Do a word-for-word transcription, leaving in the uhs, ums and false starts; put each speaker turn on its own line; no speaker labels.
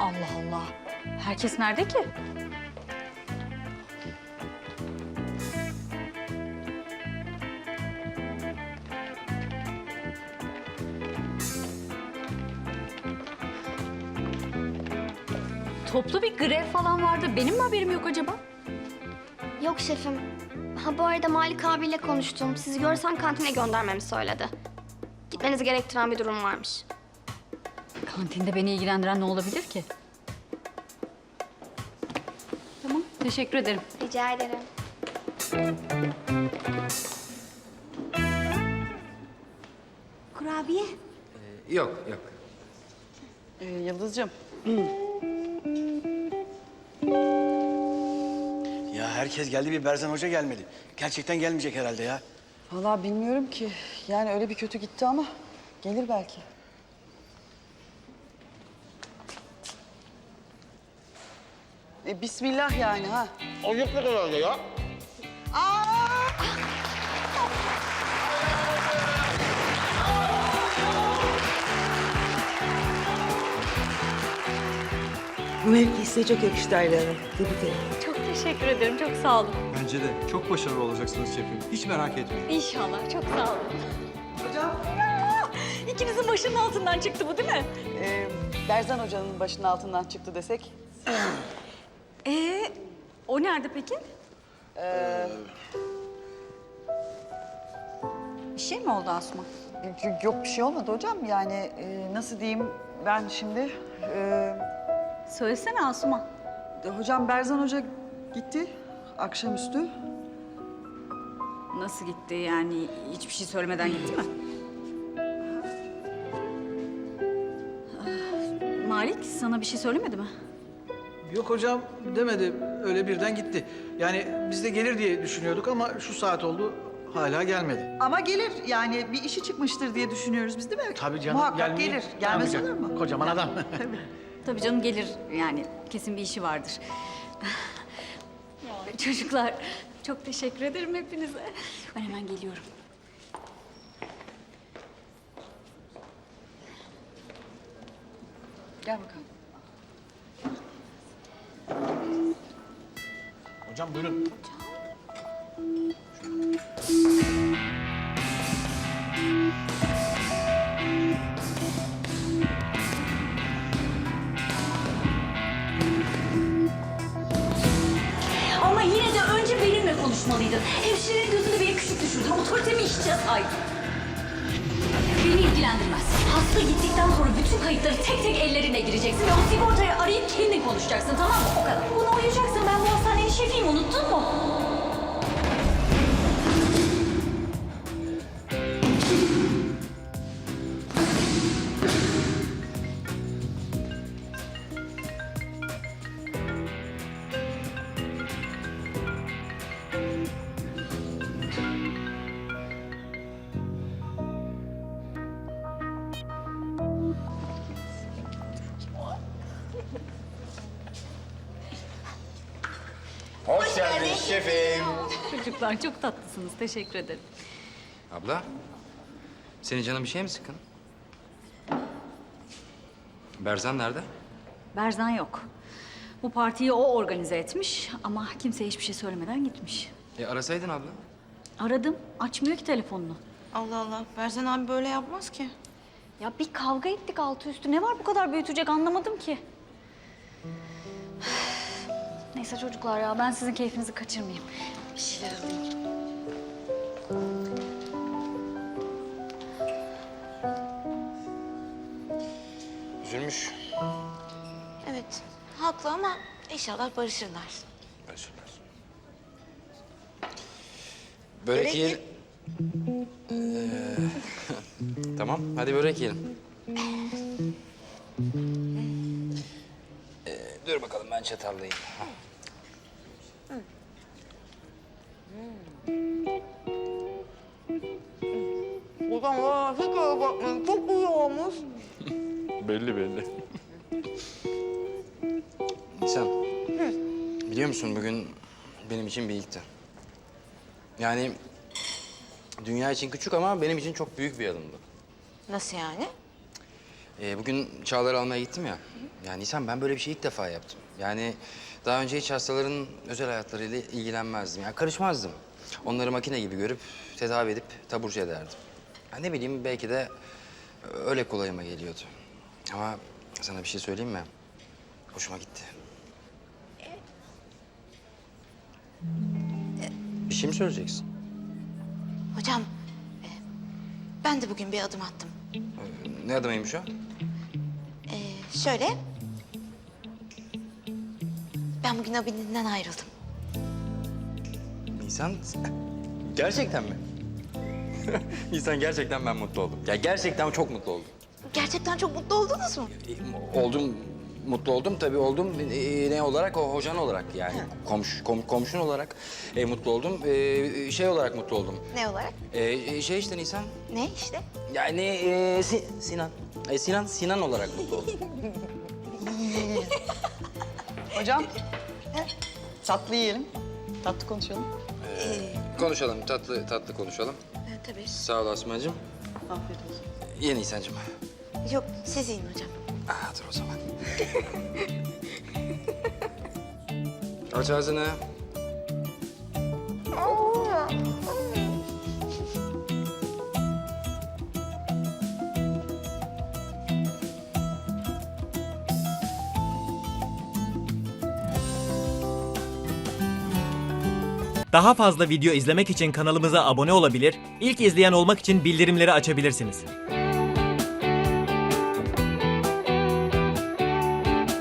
Allah Allah. Herkes nerede ki? Toplu bir grev falan vardı. Benim mi haberim yok acaba?
Yok şefim. Ha bu arada Malik abiyle konuştum. Sizi görsen kantine göndermemi söyledi. Gitmenizi gerektiren bir durum varmış.
Kantinde beni ilgilendiren ne olabilir ki? Tamam, teşekkür ederim.
Rica ederim.
Kurabiye.
Ee, yok, yok.
Ee, Yıldız'cığım.
Ya herkes geldi, bir Berzan Hoca gelmedi. Gerçekten gelmeyecek herhalde ya.
Vallahi bilmiyorum ki. Yani öyle bir kötü gitti ama gelir belki. E, bismillah yani ha.
Ayıplık herhalde ya.
Bu mevki size çok yakıştı Ayla Hanım. Tebrik ederim.
Çok teşekkür ederim, çok sağ olun.
Bence de çok başarılı olacaksınız şefim. Hiç merak etmeyin.
İnşallah, çok sağ olun.
Hocam.
İkinizin başının altından çıktı bu değil mi?
E, Berzan Hoca'nın başının altından çıktı desek.
Ee, o nerede peki?
Ee,
Bir şey mi oldu Asuman?
yok- yok bir şey olmadı hocam. Yani e, nasıl diyeyim ben şimdi... E,
Söylesene Asuman.
hocam Berzan Hoca gitti akşamüstü.
Nasıl gitti yani? Hiçbir şey söylemeden gitti mi? Ah, Malik sana bir şey söylemedi mi?
Yok hocam demedi. Öyle birden gitti. Yani biz de gelir diye düşünüyorduk ama şu saat oldu hala gelmedi.
Ama gelir yani bir işi çıkmıştır diye düşünüyoruz biz değil mi?
Tabii canım
Muhakkak
gelmeye-
gelir. Gelmez
Tabii
olur
canım.
mu?
Kocaman adam.
Tabii canım gelir yani. Kesin bir işi vardır. Çocuklar çok teşekkür ederim hepinize. Ben hemen geliyorum.
Gel bakalım.
Hocam buyurun.
Ama yine de önce benimle konuşmalıydın. Hemşirenin gözünde beni küçük düşürdün. Otoritemi hiçe saydın. Beni ilgilendirmez. Hasta gittikten sonra bütün kayıtları tek tek ellerine gireceksin ve o sigortayı arayıp kendin konuşacaksın, tamam mı? O kadar. Buna uyacaksan ben bu hastanenin şefiyim, unuttun mu?
Hoş geldin şefim.
Çocuklar çok tatlısınız. Teşekkür ederim.
Abla, senin canın bir şey mi sıkın? Berzan nerede?
Berzan yok. Bu partiyi o organize etmiş ama kimseye hiçbir şey söylemeden gitmiş.
E arasaydın abla.
Aradım. Açmıyor ki telefonunu.
Allah Allah. Berzan abi böyle yapmaz ki.
Ya bir kavga ettik altı üstü. Ne var bu kadar büyütecek anlamadım ki. Neyse çocuklar ya ben sizin keyfinizi kaçırmayayım. Bir şeyler alayım.
Üzülmüş.
Evet. Haklı ama inşallah barışırlar.
Barışırlar. Börek yiyelim. Ee, tamam, hadi börek yiyelim. Ee, dur bakalım ben çatallayayım. Ha.
Hocam ya hiç öyle bakmayın. Çok iyi olmuş.
Belli belli. Nisan, biliyor musun bugün benim için bir ilkti. Yani dünya için küçük ama benim için çok büyük bir adımdı.
Nasıl yani?
Ee, bugün Çağlar'ı almaya gittim ya. Ya Nisan, ben böyle bir şey ilk defa yaptım. Yani daha önce hiç hastaların özel hayatlarıyla ilgilenmezdim. Yani karışmazdım. Onları makine gibi görüp tedavi edip taburcu ederdim. Ya ne bileyim, belki de öyle kolayıma geliyordu. Ama sana bir şey söyleyeyim mi? Hoşuma gitti. Bir şey mi söyleyeceksin?
Hocam, e, ben de bugün bir adım attım.
Ne adımıymış o?
E, şöyle, ben bugün Abidin'den ayrıldım.
Nisan, gerçekten mi? Nisan, gerçekten ben mutlu oldum. Ya gerçekten çok mutlu oldum.
Gerçekten çok mutlu oldunuz mu?
E, Oldum, mutlu oldum tabii oldum. E, ne olarak? O hocan olarak yani. Komş, kom, komşun olarak e, mutlu oldum. E, şey olarak mutlu oldum.
Ne olarak?
E, şey işte Nisan.
Ne işte?
Yani e, Si- Sinan. E, Sinan, Sinan olarak mutlu oldum.
Hocam, tatlı yiyelim. Tatlı konuşalım.
Konuşalım, tatlı tatlı konuşalım.
E, tabii.
Sağ ol Asma'cığım.
Afiyet olsun.
Ye Nisan'cığım.
Yok, siz yiyin hocam.
Aa, dur o zaman. Aç ağzını.
Daha fazla video izlemek için kanalımıza abone olabilir, ilk izleyen olmak için bildirimleri açabilirsiniz.